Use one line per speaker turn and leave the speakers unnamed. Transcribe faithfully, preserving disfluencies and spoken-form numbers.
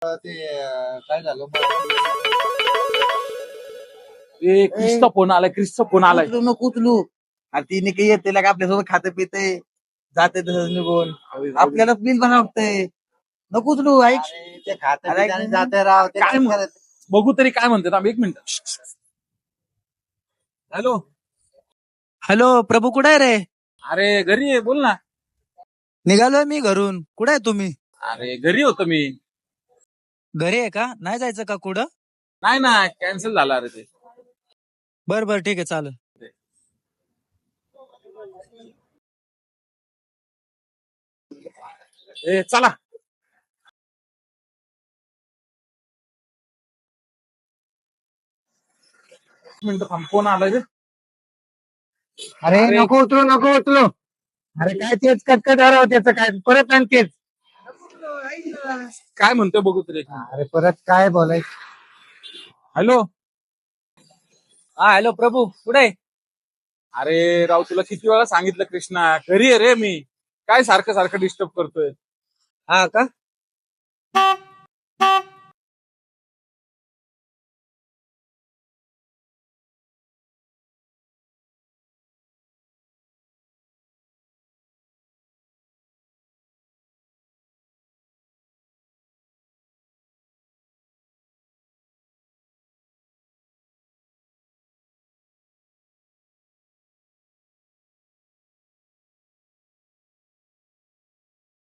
ते अं, काय झालं
ए क्रिसचा फोन आलाय क्रिसचा फोन आलाय
उचलू नको उचलू. अरे तिने काही येते का आपल्यासोबत खाते पिते जाते तसंच निघून आपल्याला बिल बनवतंय. नको उचलू ऐक. ते खाते जाते राव ते
काय म्हण- बघू तरी काय म्हणतात आम्ही एक मिनिट. हॅलो.
हॅलो प्रभू, कुठे आहे रे?
अरे घरी आहे, बोल ना.
निघालोय मी घरून. कुठे आहे तुम्ही?
अरे घरी होतो मी.
घरी आहे का? नाही जायचं का कुठं?
नाही ना, कॅन्सल झाला अरे ते.
बर बर ठीक आहे, चालेल.
ए चला. एक मिनिट थांब, फोन आलाय रे.
अरे
अरे.
नको उचलू नको उचलू. अरे काय तेच कटकट राव त्याचं काय परत आणि तेच.
काय म्हणतोय बघू तरी.
अरे परत काय बोलायचं.
हॅलो.
हा हॅलो प्रभू, कुठे आहे?
अरे राव, तुला किती वेळा सांगितलं कृष्णा, घरी आहे रे मी. काय सारखं सारखं डिस्टर्ब करतोय.
हा का?